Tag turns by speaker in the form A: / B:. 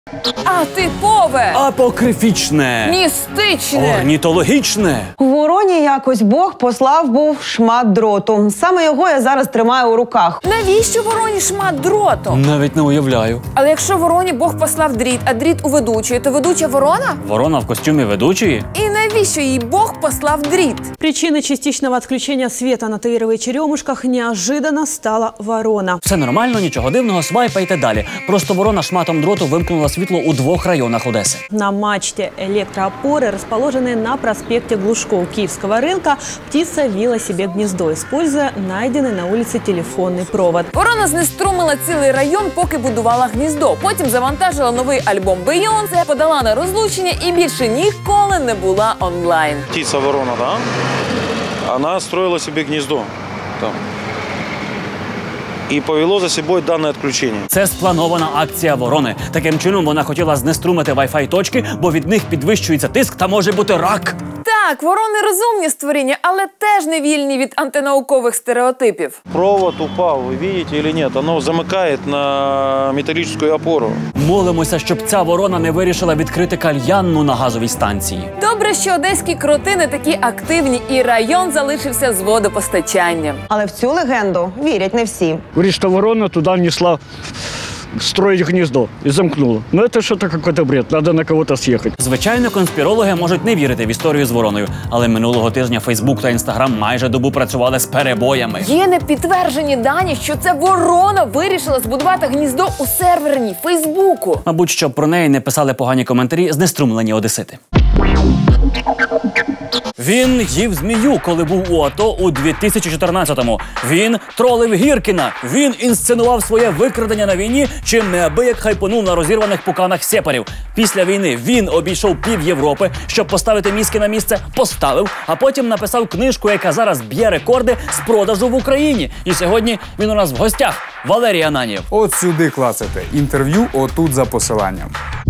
A: Атипове!
B: Апокрифічне!
A: Містичне!
B: Орнітологічне!
C: У Вороні якось Бог послав був шмат дроту. Саме його я зараз тримаю у руках.
A: Навіщо Вороні шмат дроту?
B: Навіть не уявляю.
A: Але якщо Вороні Бог послав дріт, а дріт у ведучої, то ведуча ворона?
B: Ворона в костюмі ведучої?
A: І навіщо їй Бог послав дріт?
C: Причиной частичного отключения света на Таировой черемушках неожиданно стала ворона.
B: Все нормально, нічого дивного, свайпайте далі. Просто ворона шматом дроту вимкнула світло у 2 районах Одеси.
C: На мачте электроопоры, расположенной на проспекте Глушков Киевского рынка, птица вила себе гнездо, используя найденный на улице телефонный провод.
A: Ворона знеструмила цілий район, поки будувала гніздо. Потім завантажила новий альбом Бейонсе, подала на розлучення і більше ніколи не була онлайн.
D: Птица ворона, да? Она строила себе гнездо там. І повело за собою дане відключення.
B: Це спланована акція ворони. Таким чином вона хотіла знеструмити Wi-Fi точки, бо від них підвищується тиск та може бути рак.
A: Так, ворони розумні створіння, але теж не вільні від антинаукових стереотипів.
D: Провод упав, ви бачите чи ні? Воно замикає на металічну опору.
B: Молимося, щоб ця ворона не вирішила відкрити кальянну на газовій станції.
A: Добре, що одеські кроти не такі активні і район залишився з водопостачанням.
C: Але в цю легенду вірять не всі.
E: Говорит, что ворона туда несла строить гнездо и замкнула. Но это что-то какой-то бред, надо на кого-то съехать.
B: Звичайно, конспірологи можуть не вірити в історію з вороною, але минулого тижня Фейсбук та Інстаграм майже добу працювали з перебоями.
A: Є непідтверджені дані, що це ворона вирішила збудувати гніздо у серверній Фейсбуку.
B: Мабуть, щоб про неї не писали погані коментарі знеструмлені одесити. Він їв змію, коли був у АТО у 2014-му. Він тролив Гіркіна. Він інсценував своє викрадення на війні, чим неабияк хайпонув на розірваних пуканах сепарів. Після війни він обійшов пів Європи, щоб поставити мізки на місце, поставив, а потім написав книжку, яка зараз б'є рекорди з продажу в Україні. І сьогодні він у нас в гостях. Валерій Ананьєв.
F: От сюди клацайте. Інтерв'ю отут за посиланням.